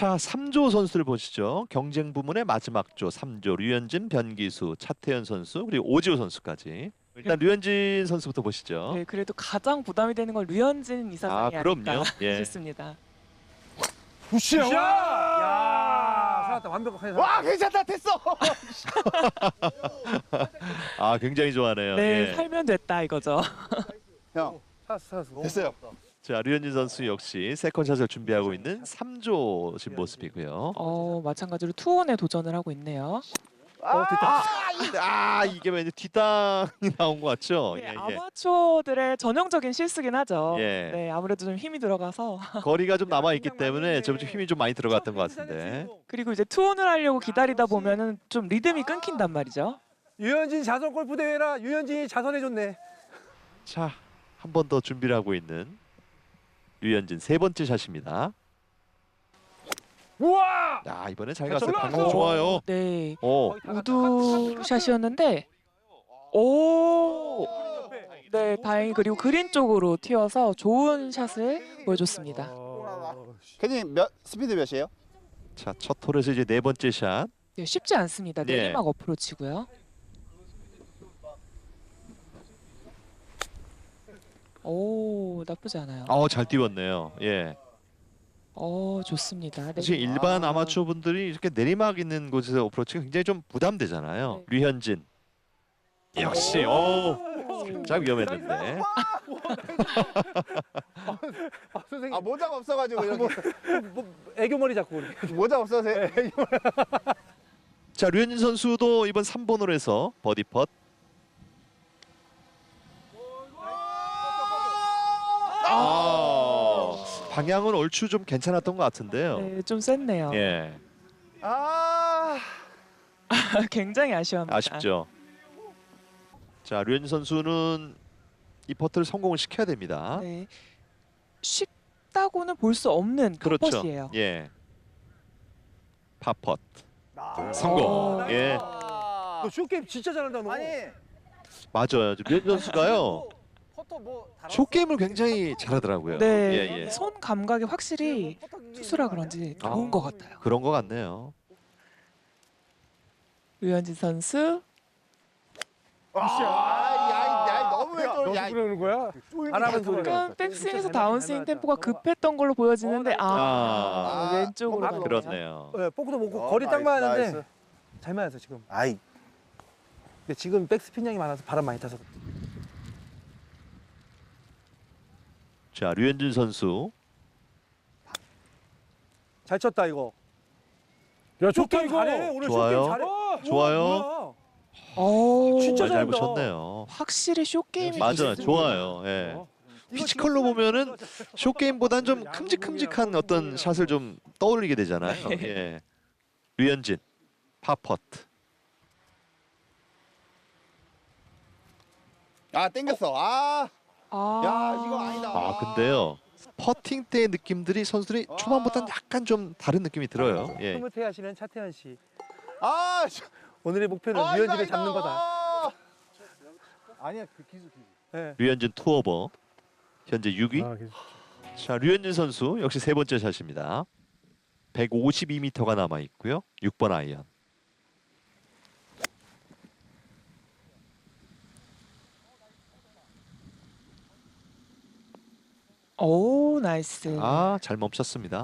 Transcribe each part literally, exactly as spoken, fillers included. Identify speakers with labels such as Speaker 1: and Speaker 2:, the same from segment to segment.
Speaker 1: 자, 삼 조 선수들 보시죠. 경쟁 부문의 마지막 조 삼 조 류현진, 변기수, 차태현 선수 그리고 오지호 선수까지. 일단 류현진 선수부터 보시죠.
Speaker 2: 네, 그래도 가장 부담이 되는 건 류현진 이사장이
Speaker 1: 아,
Speaker 2: 아,
Speaker 1: 그럼요.
Speaker 2: 닐까
Speaker 1: 예.
Speaker 2: 싶습니다.
Speaker 3: 굿샷!
Speaker 4: 굿샷!
Speaker 3: 야, 살았다. 완벽하게 살았다.
Speaker 4: 와 괜찮다 됐어.
Speaker 1: 아, 굉장히 좋아하네요.
Speaker 2: 네,
Speaker 1: 예.
Speaker 2: 살면 됐다 이거죠.
Speaker 4: 형
Speaker 3: 살았어, 살았어.
Speaker 4: 됐어요.
Speaker 1: 자, 류현진 선수 역시 세컨샷을 준비하고 있는 삼 조 지금 모습이고요.
Speaker 2: 어, 마찬가지로 투혼에 도전을 하고 있네요.
Speaker 3: 어, 됐다.
Speaker 1: 아, 이게 왠지 뒷땅이 나온 것 같죠?
Speaker 2: 네,
Speaker 1: 예, 예.
Speaker 2: 아마추어들의 전형적인 실수긴 하죠.
Speaker 1: 예.
Speaker 2: 네, 아무래도 좀 힘이 들어가서
Speaker 1: 거리가 좀 남아 있기 때문에 좀 힘이 좀 많이 들어갔던 것 같은데.
Speaker 2: 그리고 이제 투혼을 하려고 기다리다 보면은 좀 리듬이 끊긴단 말이죠.
Speaker 3: 유현진 자선 골프 대회라 유현진이 자선해줬네.
Speaker 1: 자, 한 번 더 준비를 하고 있는 류현진 세 번째 샷입니다.
Speaker 3: 우와!
Speaker 1: 야, 이번에 잘
Speaker 3: 잘
Speaker 1: 갔어요.
Speaker 3: 쳤다.
Speaker 1: 방금 좋아요.
Speaker 2: 네,
Speaker 1: 오,
Speaker 2: 우드 샷이었는데 오, 네, 다행히 그리고 그린 쪽으로 튀어서 좋은 샷을 보여줬습니다.
Speaker 3: 어,
Speaker 4: 캐디님 몇 스피드 몇이에요?
Speaker 1: 자, 첫 홀에서 이제 네 번째 샷.
Speaker 2: 네, 쉽지 않습니다.
Speaker 1: 예.
Speaker 2: 내리막 어프로치고요. 오, 나쁘지 않아요.
Speaker 1: 어, 잘 띄웠네요. 예.
Speaker 2: 어, 좋습니다. 네.
Speaker 1: 사실 일반
Speaker 4: 아.
Speaker 1: 아마추어 분들이 이렇게 내리막 있는 곳에서 어프로치가 굉장히 좀 부담되잖아요.
Speaker 2: 네.
Speaker 1: 류현진. 역시, 오, 살짝 위험했는데.
Speaker 3: 아, 선생님.
Speaker 4: 아 모자가 없어가지고 이렇게
Speaker 3: 뭐, 애교머리 잡고 이렇게.
Speaker 4: 모자 없어서
Speaker 1: 자, 류현진 선수도 이번 삼 번 홀에서 버디 펫. 아, 방향은 얼추 좀 괜찮았던 것 같은데요.
Speaker 2: 네, 좀 셌네요.
Speaker 1: 예,
Speaker 4: 아
Speaker 2: 굉장히 아쉬워합니다.
Speaker 1: 아쉽죠. 자, 류현진 선수는 이 퍼트를 성공을 시켜야 됩니다.
Speaker 2: 네. 쉽다고는 볼 수 없는
Speaker 1: 그렇죠.
Speaker 2: 컷이에요.
Speaker 1: 예. 파펫 성공.
Speaker 2: 어.
Speaker 1: 예,
Speaker 3: 너 쇼게임 진짜 잘한다 너.
Speaker 4: 아니
Speaker 1: 맞아요. 류현진 선수가요.
Speaker 4: 포터 뭐
Speaker 1: 쇼 게임을 굉장히 잘하더라고요.
Speaker 2: 네,
Speaker 1: 예, 예.
Speaker 2: 손 감각이 확실히 투수라 그런지 좋은
Speaker 1: 아.
Speaker 2: 것 같아요.
Speaker 1: 그런 것 같네요.
Speaker 2: 류현진 선수.
Speaker 4: 아야 너무 왜
Speaker 3: 너
Speaker 4: 또 야.
Speaker 3: 그러는 거야? 안 하는 소리가.
Speaker 2: 약간 백스윙에서 다운스윙 템포가 급했던 걸로 보여지는데 아,
Speaker 1: 아,
Speaker 2: 왼쪽으로
Speaker 4: 아,
Speaker 2: 가네요.
Speaker 1: 그렇네요.
Speaker 3: 네, 포크도 못
Speaker 4: 어,
Speaker 3: 거리 딱
Speaker 4: 나이스,
Speaker 3: 맞았는데
Speaker 4: 나이스.
Speaker 3: 잘 맞았어 지금.
Speaker 4: 아이
Speaker 3: 근데 지금 백스핀 양이 많아서 바람 많이 타서.
Speaker 1: 자, 류현진 선수.
Speaker 3: 잘 쳤다 이거. 야 쇼게임 잘해. 오늘
Speaker 1: 좋아요.
Speaker 3: 쇼게임 잘해.
Speaker 1: 좋아요.
Speaker 3: 뭐야.
Speaker 2: 오,
Speaker 3: 진짜
Speaker 1: 잘
Speaker 3: 잘한다.
Speaker 1: 붙였네요.
Speaker 2: 확실히 쇼 게임이
Speaker 1: 맞아요, 좋아요. 예.
Speaker 3: 어.
Speaker 1: 피지컬로 보면은 쇼 게임보다는 좀 큼직큼직한 어떤 샷을 좀 떠올리게 되잖아요. 예. 류현진 파퍼트.
Speaker 4: 아 땡겼어. 아
Speaker 2: 아,
Speaker 4: 야, 이거 아니다.
Speaker 1: 아, 근데요. 퍼팅 때의 느낌들이 선수들이 초반보다는 약간 좀 다른 느낌이 들어요. 예.
Speaker 3: 흐뭇해 하시는 차태현 씨.
Speaker 4: 아 씨.
Speaker 3: 오늘의 목표는
Speaker 4: 아,
Speaker 3: 류현진을
Speaker 4: 이거
Speaker 3: 잡는
Speaker 4: 아니다.
Speaker 3: 거다.
Speaker 4: 아. 아니야 그 기술 기술.
Speaker 3: 네.
Speaker 1: 류현진 투오버. 현재 육 위.
Speaker 3: 아, 계속.
Speaker 1: 자, 류현진 선수 역시 세 번째 샷입니다. 백오십이 미터가 남아 있고요. 육 번 아이언.
Speaker 2: 오, 나이스.
Speaker 1: 아, 잘 멈췄습니다.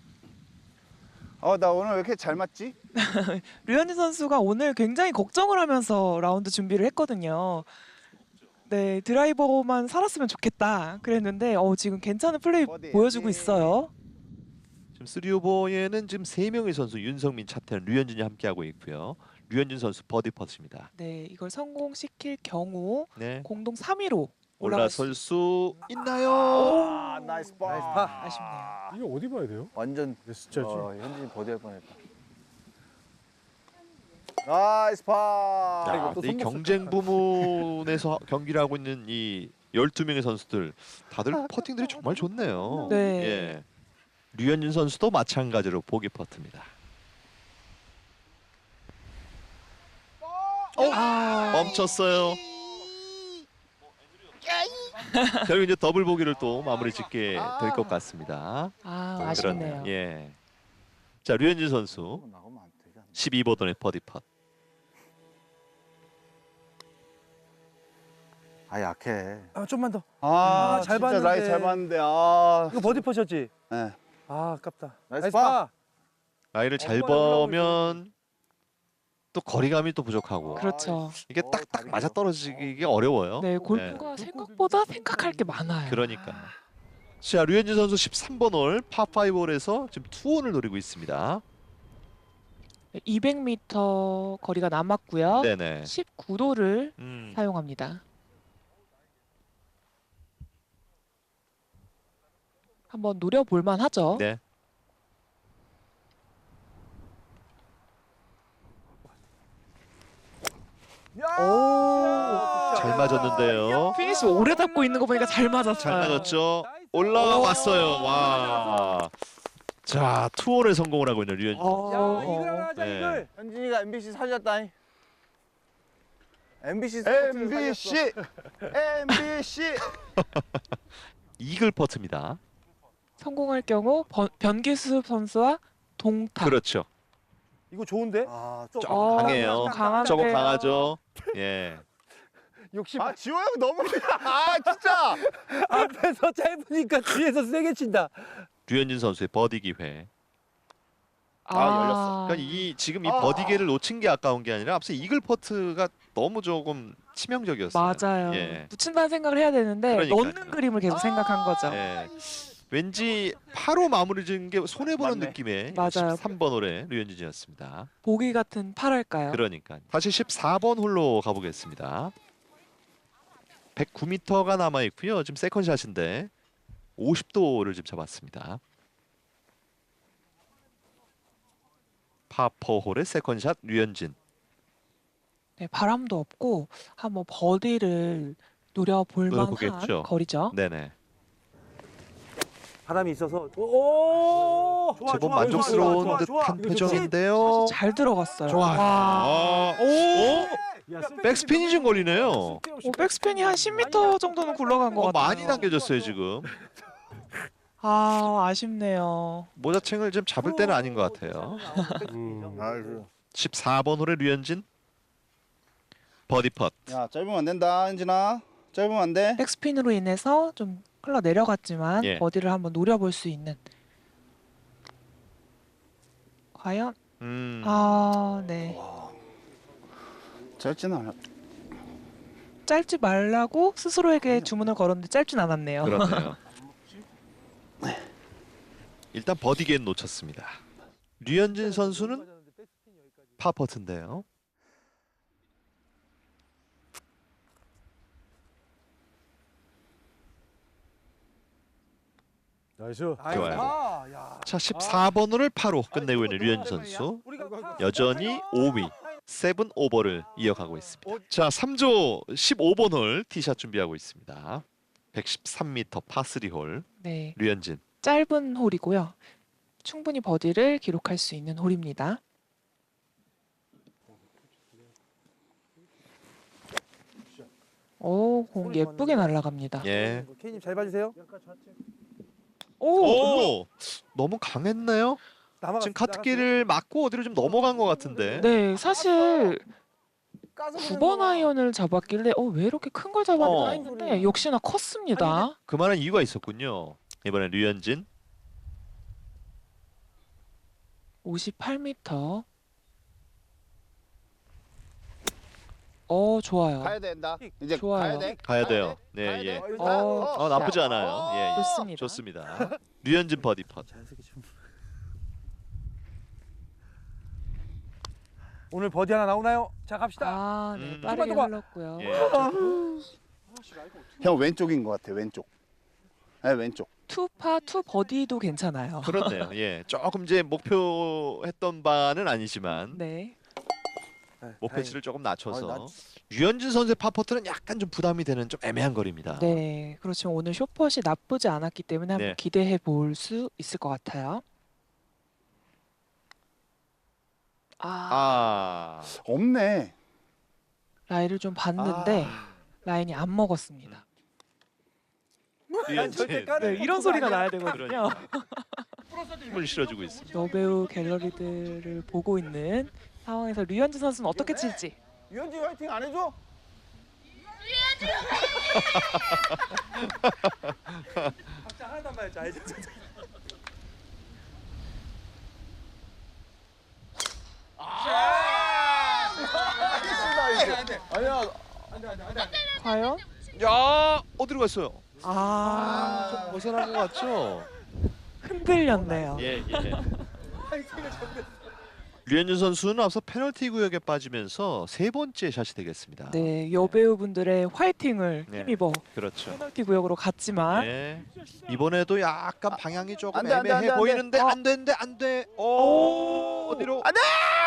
Speaker 4: 어나 오늘 왜 이렇게 잘 맞지?
Speaker 2: 류현진 선수가 오늘 굉장히 걱정을 하면서 라운드 준비를 했거든요. 네, 드라이버만 살았으면 좋겠다 그랬는데 어, 지금 괜찮은 플레이
Speaker 4: 어디?
Speaker 2: 보여주고
Speaker 4: 예.
Speaker 2: 있어요.
Speaker 1: 지금 쓰리 오버에는 지금 세 명의 선수 윤성민, 차태현, 류현진이 함께하고 있고요. 류현진 선수 버디 퍼트입니다.
Speaker 2: 네, 이걸 성공시킬 경우
Speaker 1: 네.
Speaker 2: 공동 삼 위로 올라갈 수
Speaker 1: 올라설 수 있나요?
Speaker 4: 아 나이스 파.
Speaker 3: 나이스 파.
Speaker 2: 아쉽네요.
Speaker 5: 이거 어디 봐야 돼요?
Speaker 4: 완전
Speaker 5: 진짜지?
Speaker 4: 어, 현진이 버디할 뻔했다. 나이스 파.
Speaker 1: 야,
Speaker 3: 이거 또
Speaker 1: 근데 이
Speaker 3: 손목
Speaker 1: 경쟁 부문에서 경기를 하고 있는 이 열두 명의 선수들 다들 퍼팅들이 정말 좋네요.
Speaker 2: 네.
Speaker 1: 예. 류현진 선수도 마찬가지로 보기 퍼트입니다.
Speaker 2: 아,
Speaker 1: 멈췄어요. 결국 이제 더블 보기를 또 마무리 짓게 될 것 같습니다.
Speaker 2: 아,
Speaker 1: 그렇네요.
Speaker 2: 아쉽네요.
Speaker 1: 예. 자, 류현진 선수
Speaker 4: 나가면 안 되지 않나?
Speaker 1: 십이 번 홀의 버디 팟.
Speaker 4: 아 약해.
Speaker 3: 아 좀만 더.
Speaker 4: 아,
Speaker 3: 아, 잘
Speaker 4: 진짜
Speaker 3: 봤는데.
Speaker 4: 라이 잘 봤는데. 아.
Speaker 3: 이거 버디 퍼셨지?
Speaker 4: 네.
Speaker 3: 아 아깝다.
Speaker 4: 나이스 파.
Speaker 1: 라이를 잘
Speaker 3: 엉덩이에 올라오고
Speaker 1: 보면 또 거리감이 또 부족하고
Speaker 2: 그렇죠.
Speaker 1: 이게
Speaker 4: 어,
Speaker 1: 딱딱
Speaker 4: 다리
Speaker 1: 맞아
Speaker 4: 길어.
Speaker 1: 떨어지기 어려워요.
Speaker 2: 네, 골프가 생각보다 생각할 게 많아요.
Speaker 1: 그러니까. 자, 류현진 선수 십삼 번 홀 파5 홀에서 지금 투혼을 노리고 있습니다.
Speaker 2: 이백 미터 거리가 남았고요.
Speaker 1: 네네.
Speaker 2: 십구 도를
Speaker 1: 음.
Speaker 2: 사용합니다. 한번 노려볼 만하죠.
Speaker 1: 네.
Speaker 3: 오.
Speaker 1: 잘 맞았는데요.
Speaker 2: 피니시 오래 잡고 있는 거 보니까 잘 맞았어요.
Speaker 1: 잘 맞았죠. 올라왔어요. 와. 자, 투혼에 성공을 하고 있는 류현진.
Speaker 3: 야
Speaker 2: 어,
Speaker 3: 이글 하나 하자
Speaker 1: 네.
Speaker 3: 이글.
Speaker 4: 현진이가 엠비씨 살렸다잉. 엠비씨 엠비씨 엠비씨.
Speaker 1: 이글 퍼트입니다.
Speaker 2: 성공할 경우 번- 변기수 선수와 동타.
Speaker 1: 그렇죠.
Speaker 3: 이거 좋은데?
Speaker 4: 아,
Speaker 3: 좀
Speaker 1: 조금 강해요.
Speaker 2: 강한데요.
Speaker 1: 저거 강하죠. 예.
Speaker 3: 욕심.
Speaker 4: 아 지호 형 너무 아 진짜.
Speaker 3: 앞에서 짧으니까 뒤에서 세게 친다.
Speaker 1: 류현진 선수의 버디 기회.
Speaker 2: 아,
Speaker 4: 열렸어.
Speaker 1: 그러니까 이 지금 이
Speaker 4: 아.
Speaker 1: 버디 기회를 놓친 게 아까운 게 아니라 앞서 이글 퍼트가 너무 조금 치명적이었어요.
Speaker 2: 맞아요.
Speaker 1: 예.
Speaker 2: 붙인다는 생각을 해야 되는데
Speaker 1: 그러니까요.
Speaker 2: 넣는 그림을 계속 생각한 거죠.
Speaker 1: 예. 왠지 파로 마무리 지은 게 손해 보는
Speaker 4: 맞네.
Speaker 1: 느낌의
Speaker 2: 맞아요.
Speaker 1: 십삼 번 홀의 류현진이었습니다.
Speaker 2: 보기 같은 팔할까요?
Speaker 1: 그러니까 다시 십사 번 홀로 가보겠습니다. 백구 미터가 남아 있고요. 지금 세컨샷인데 오십 도를 지금 잡았습니다. 파포 홀의 세컨샷 류현진.
Speaker 2: 네, 바람도 없고 한번 버디를 노려볼 만한
Speaker 1: 노려보겠죠.
Speaker 2: 거리죠.
Speaker 1: 네네.
Speaker 3: 바람이 있어서. 오. 좋아,
Speaker 1: 제법
Speaker 3: 좋아,
Speaker 1: 만족스러운
Speaker 3: 좋아, 좋아, 좋아.
Speaker 1: 듯한
Speaker 3: 이거 좀
Speaker 1: 표정인데요.
Speaker 2: 잘 들어갔어요.
Speaker 1: 좋아요.
Speaker 2: 와.
Speaker 1: 아, 오,
Speaker 3: 야,
Speaker 1: 백스핀이 좀 걸리네요.
Speaker 2: 오, 백스핀이 한 십 미터 정도는 굴러간 것
Speaker 1: 어,
Speaker 2: 같아요.
Speaker 1: 많이 당겨졌어요 지금.
Speaker 2: 아, 아쉽네요.
Speaker 1: 모자챙을 좀 잡을 때는 아닌 것 같아요.
Speaker 3: 음.
Speaker 4: 아이고.
Speaker 1: 십사 번 홀의 류현진. 버디 펫.
Speaker 4: 야 짧으면 안 된다 현진아. 짧으면 안 돼.
Speaker 2: 백스핀으로 인해서 좀 흘러 내려갔지만
Speaker 1: 예.
Speaker 2: 버디를 한번 노려볼 수 있는. 과연?
Speaker 1: 음.
Speaker 2: 아, 네.
Speaker 4: 짧지는 않아.
Speaker 2: 짧지 말라고 스스로에게 주문을 걸었는데 짧진 않았네요.
Speaker 1: 그렇네요. 일단 버디 게임 놓쳤습니다. 류현진 선수는 파 퍼트인데요.
Speaker 3: 나이스.
Speaker 1: 좋아요.
Speaker 3: 아, 야.
Speaker 1: 자, 십사 번 홀을 파로 끝내고 있는 류현진 선수. 여전히 오 위, 칠 오버를 이어가고 있습니다. 자, 삼 조 십오 번 홀 티샷 준비하고 있습니다. 백십삼 미터 파삼 홀
Speaker 2: 네.
Speaker 1: 류현진.
Speaker 2: 짧은 홀이고요. 충분히 버디를 기록할 수 있는 홀입니다. 오, 공 예쁘게 날아갑니다.
Speaker 1: 예.
Speaker 3: 케이님 잘 봐주세요.
Speaker 2: 오,
Speaker 1: 오! 너무 강했나요?
Speaker 3: 남아갔-
Speaker 1: 지금 카트길을 맞고 어디로 좀 넘어간 것 같은데.
Speaker 2: 네, 사실
Speaker 4: 까서
Speaker 2: 구 번 아이언을 잡았길래 어, 왜 이렇게 큰 걸 잡았나
Speaker 1: 어.
Speaker 2: 했는데 역시나 컸습니다.
Speaker 1: 그만한 이유가 있었군요. 이번엔 류현진.
Speaker 2: 오십팔 미터. 어, 좋아요.
Speaker 4: 가야 된다. 이제
Speaker 2: 좋아요.
Speaker 4: 가야 돼.
Speaker 1: 가야 돼요. 네,
Speaker 4: 가야
Speaker 1: 예.
Speaker 4: 돼.
Speaker 2: 어,
Speaker 1: 어, 나쁘지 않아요. 예, 예.
Speaker 2: 좋습니다.
Speaker 1: 좋습니다. 류현진 버디 펫.
Speaker 3: 자연스럽게 좀. 오늘 버디 하나 나오나요? 자 갑시다.
Speaker 2: 아, 네,
Speaker 1: 음.
Speaker 2: 빠르게
Speaker 3: 봐.
Speaker 2: 흘렀고요.
Speaker 1: 예.
Speaker 4: 형 왼쪽인 것 같아. 왼쪽. 네 왼쪽.
Speaker 2: 투파 투 버디도 괜찮아요.
Speaker 1: 그렇네요. 예. 조금 이제 목표했던 바는 아니지만
Speaker 2: 네.
Speaker 3: 네,
Speaker 1: 목표치를 조금 낮춰서
Speaker 4: 아, 낮-
Speaker 1: 류현진 선수의 파퍼트는 약간 좀 부담이 되는 좀 애매한 거리입니다.
Speaker 2: 네, 그렇지만 오늘 쇼퍼시 나쁘지 않았기 때문에 한번
Speaker 1: 네.
Speaker 2: 기대해 볼 수 있을 것 같아요. 아,
Speaker 1: 아.
Speaker 4: 없네.
Speaker 2: 라인을 좀 봤는데 라인이 안 먹었습니다.
Speaker 1: 류현진.
Speaker 3: 절대 까는
Speaker 2: 네, 이런 소리가 나야 되거든요.
Speaker 1: 그러니까. 힘을 실어주고 있습니다.
Speaker 2: 여배우 갤러리들을 보고 있는 상황에서 류현진 선수는 어떻게 칠지.
Speaker 4: 유현지 화이팅 안 해줘?
Speaker 3: 하나도 말자 알지?
Speaker 4: 아니야.
Speaker 2: 과연?
Speaker 1: 야 어디로 갔어요?
Speaker 2: 아,
Speaker 1: 좀 벗어난 것 같죠?
Speaker 2: 흔들렸네요.
Speaker 1: 예 예. 류현진 선수는 앞서 페널티 구역에 빠지면서 세 번째 샷이 되겠습니다.
Speaker 2: 네, 여배우분들의 화이팅을
Speaker 1: 네.
Speaker 2: 힘입어
Speaker 1: 그렇죠.
Speaker 2: 페널티 구역으로 갔지만
Speaker 1: 네. 이번에도 약간 방향이 조금
Speaker 4: 안 돼, 안 돼,
Speaker 1: 애매해
Speaker 4: 안 돼, 안 돼.
Speaker 1: 보이는데
Speaker 2: 어.
Speaker 1: 안 되는데 안 돼. 오,
Speaker 2: 오.
Speaker 1: 어디로?
Speaker 4: 안 돼!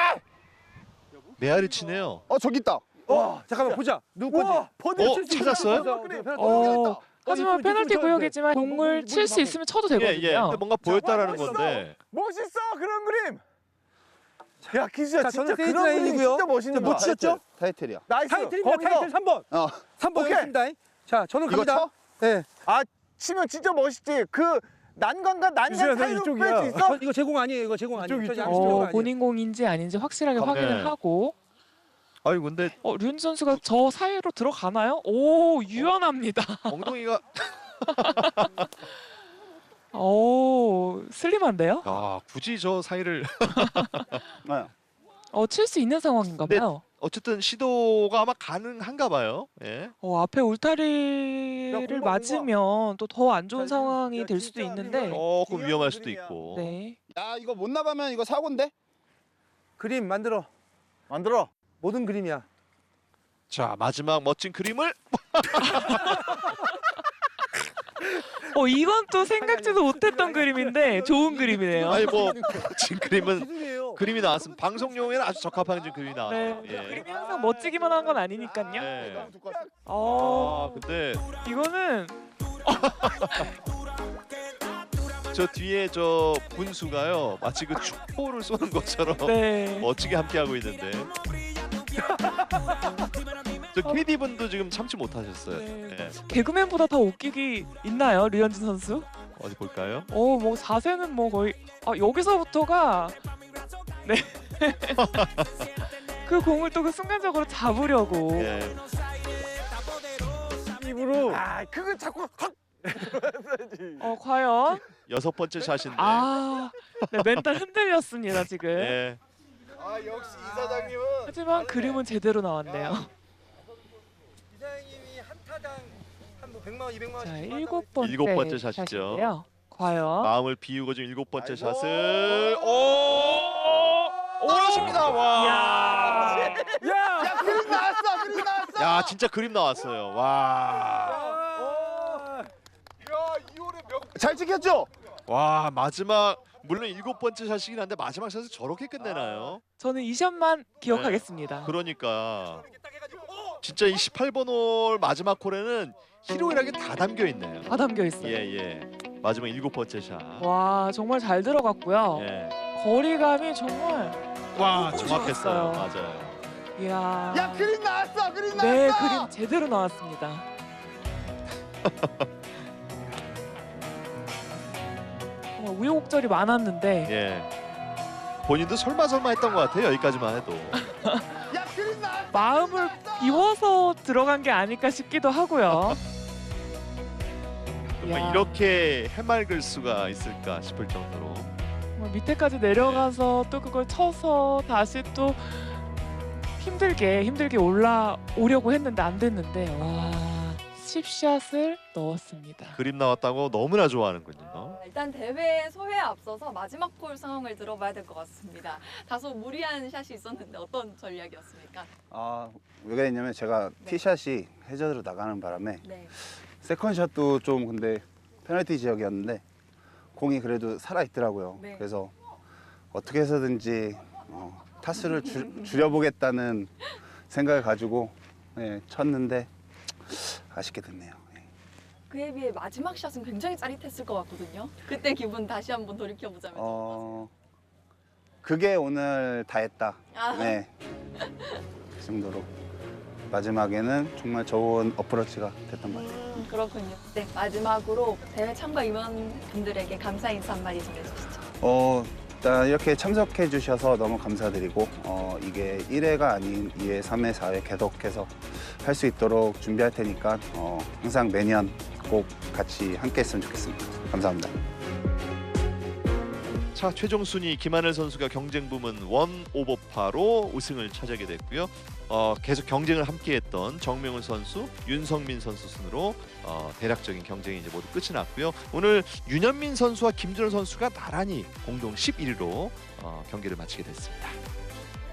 Speaker 1: 메아리 치네요.
Speaker 4: 어 저기 있다.
Speaker 3: 와 잠깐만 보자. 누구
Speaker 4: 우와,
Speaker 3: 건지.
Speaker 1: 어, 찾았어요?
Speaker 2: 어, 하지만
Speaker 3: 이거
Speaker 2: 페널티
Speaker 3: 이거
Speaker 2: 구역이지만
Speaker 3: 뭐,
Speaker 2: 공을
Speaker 3: 뭐,
Speaker 2: 칠 수
Speaker 3: 뭐,
Speaker 2: 있으면 쳐도
Speaker 1: 예,
Speaker 2: 되거든요.
Speaker 1: 예. 근데 뭔가 보였다라는
Speaker 4: 멋있어.
Speaker 1: 건데.
Speaker 4: 멋있어 그런 그림. 야 키즈야
Speaker 3: 자,
Speaker 4: 진짜
Speaker 3: 저는
Speaker 4: 그런 그림
Speaker 3: 페이지라인이고요.
Speaker 4: 진짜 멋있는
Speaker 3: 자, 뭐
Speaker 4: 거야.
Speaker 3: 치셨죠?
Speaker 4: 타이틀이야.
Speaker 3: 나이스. 타이틀입니다. 타이틀 삼 번.
Speaker 4: 어.
Speaker 3: 삼 번
Speaker 4: 오케이.
Speaker 3: 했습니다. 자 저는
Speaker 4: 이거
Speaker 3: 갑니다.
Speaker 4: 쳐?
Speaker 3: 네.
Speaker 4: 아 치면 진짜 멋있지. 그 난간과 난간
Speaker 3: 유수야, 너
Speaker 4: 사이로 뺄
Speaker 3: 이쪽이야.
Speaker 4: 수 있어?
Speaker 3: 이거 제공 아니에요. 이거 제공 아니에요.
Speaker 4: 이쪽,
Speaker 3: 저
Speaker 4: 이쪽.
Speaker 3: 양심 제공
Speaker 2: 어,
Speaker 3: 아니에요.
Speaker 2: 본인 공인지 아닌지 확실하게
Speaker 1: 네.
Speaker 2: 확인을 하고
Speaker 1: 아유 근데
Speaker 2: 어, 류현진 선수가 저 사이로 들어가나요? 오, 유연합니다.
Speaker 1: 엉덩이가
Speaker 2: 오, 슬림한데요?
Speaker 1: 아 굳이 저 사이를
Speaker 4: 네.
Speaker 2: 어, 칠 수 있는 상황인가
Speaker 1: 네.
Speaker 2: 봐요.
Speaker 1: 어쨌든 시도가 아마 가능한가 봐요. 예.
Speaker 2: 어, 앞에 울타리를
Speaker 4: 공부야, 공부야.
Speaker 2: 맞으면 또 더 안 좋은
Speaker 4: 자,
Speaker 2: 상황이
Speaker 4: 야,
Speaker 2: 될 수도
Speaker 4: 진짜
Speaker 2: 있는데
Speaker 4: 이거-
Speaker 1: 조금 위험할 수도 있고.
Speaker 2: 네.
Speaker 4: 야 이거 못 나가면 이거 사고인데?
Speaker 3: 그림 만들어.
Speaker 4: 만들어.
Speaker 3: 모든 그림이야.
Speaker 1: 자 마지막 멋진 그림을
Speaker 2: 어, 이건 또 생각지도 못했던 그림인데 좋은 그림이네요.
Speaker 1: 아니 뭐 지금 그림은
Speaker 3: 기술이에요.
Speaker 1: 그림이 나왔으면 방송용에는 아주 적합한 지금 그림이
Speaker 2: 네.
Speaker 1: 나왔어요.
Speaker 2: 그
Speaker 1: 예.
Speaker 2: 그림이 항상 멋지기만 한 건 아니니까요.
Speaker 1: 예.
Speaker 4: 너무 두꺼웠어.
Speaker 2: 어,
Speaker 1: 아 근데
Speaker 2: 이거는
Speaker 1: 저 뒤에 저 분수가요 마치 그 축포를 쏘는 것처럼
Speaker 2: 네.
Speaker 1: 멋지게 함께하고 있는데 저 케이디 분도 지금 참지 못하셨어요.
Speaker 2: 네.
Speaker 1: 예.
Speaker 2: 개그맨보다 더 웃기기 있나요, 류현진 선수?
Speaker 1: 어디 볼까요?
Speaker 2: 어, 뭐 자세는 뭐 거의 아, 여기서부터가 네. 그 공을 또 그 순간적으로 잡으려고.
Speaker 1: 예.
Speaker 3: 입으로.
Speaker 4: 아 그거 자꾸 확.
Speaker 2: 어, 과연
Speaker 1: 여섯 번째 샷인데.
Speaker 2: 아, 네, 멘탈 흔들렸습니다, 지금.
Speaker 1: 예.
Speaker 4: 아 역시 이 사장님은.
Speaker 2: 하지만 그림은 제대로 나왔네요.
Speaker 3: 이사장님이 한 타당 한 뭐 백만 원, 이백만
Speaker 2: 자,
Speaker 3: 원씩
Speaker 2: 일곱 번째,
Speaker 1: 일곱 번째 샷이죠.
Speaker 2: 샷인데요. 과연
Speaker 1: 마음을 비우고 지금 일곱 번째
Speaker 4: 아이고.
Speaker 1: 샷을 오 떨어집니다. 와.
Speaker 2: 야.
Speaker 3: 야!
Speaker 4: 야 그림 나왔어 그림 나왔어.
Speaker 1: 야 진짜 그림 나왔어요. 와.
Speaker 4: 야 이월의 명. 잘 찍혔죠?
Speaker 1: 와 마지막 물론 일곱 번째 샷이긴 한데 마지막 샷을 저렇게 끝내나요?
Speaker 2: 저는 이 샷만 기억하겠습니다.
Speaker 1: 그러니까 진짜 이 십팔 번 홀 마지막 홀에는 희로애락이 다 담겨 있네요.
Speaker 2: 다 담겨 있어요.
Speaker 1: 예예. 마지막 일곱 번째 샷.
Speaker 2: 와, 정말 잘 들어갔고요.
Speaker 1: 예.
Speaker 2: 거리감이 정말
Speaker 1: 와
Speaker 2: 너무
Speaker 1: 정확했어요.
Speaker 2: 좋았어요.
Speaker 1: 맞아요.
Speaker 2: 이야.
Speaker 4: 야 그림 나왔어 그림 나왔어.
Speaker 2: 네, 그림 제대로 나왔습니다. 정말 우여곡절이 많았는데
Speaker 1: 예. 본인도 설마 설마 했던 것 같아요. 여기까지만 해도.
Speaker 4: 야 그림 나왔어.
Speaker 2: 마음을 비워서 들어간 게 아닐까 싶기도 하고요.
Speaker 1: 정말
Speaker 2: 야.
Speaker 1: 이렇게 해맑을 수가 있을까 싶을 정도로.
Speaker 2: 정말 밑에까지 내려가서 또 그걸 쳐서 다시 또 힘들게 힘들게 올라오려고 했는데 안 됐는데 와, 십 샷을 넣었습니다.
Speaker 1: 그림 나왔다고 너무나 좋아하는군요.
Speaker 5: 일단 대회 소회에 앞서서 마지막 홀 상황을 들어봐야 될 것 같습니다. 다소 무리한 샷이 있었는데 어떤 전략이었습니까?
Speaker 4: 아 왜 그랬냐면 제가
Speaker 5: 네.
Speaker 4: 티샷이 해저드로 나가는 바람에
Speaker 5: 네.
Speaker 4: 세컨샷도 좀 근데 페널티 지역이었는데 공이 그래도 살아 있더라고요.
Speaker 5: 네.
Speaker 4: 그래서 어떻게 해서든지 어, 타수를 줄, 줄여보겠다는 생각을 가지고 예, 쳤는데 아쉽게 됐네요. 예.
Speaker 5: 그에 비해 마지막 샷은 굉장히 짜릿했을 것 같거든요. 그때 기분 다시 한번 돌이켜 보자면.
Speaker 4: 어 그게 오늘 다 했다.
Speaker 5: 아.
Speaker 4: 네. 그 정도로 마지막에는 정말 좋은 어프로치가 됐던 것 같아요.
Speaker 5: 음, 그렇군요. 네, 마지막으로 대회 참가 임원분들에게 감사 인사 한마디 전해주시죠.
Speaker 4: 어, 일단 이렇게 참석해 주셔서 너무 감사드리고 어, 이게 일 회가 아닌 이 회, 삼 회, 사 회 계속해서 할 수 있도록 준비할 테니까 어, 항상 매년 꼭 같이 함께 했으면 좋겠습니다. 감사합니다.
Speaker 1: 자, 최종 순위 김하늘 선수가 경쟁 부문 원 오버파로 우승을 차지하게 됐고요. 어, 계속 경쟁을 함께했던 정명훈 선수, 윤성민 선수 순으로 어, 대략적인 경쟁이 이제 모두 끝이 났고요. 오늘 윤현민 선수와 김준호 선수가 나란히 공동 십일 위로 어, 경기를 마치게 됐습니다.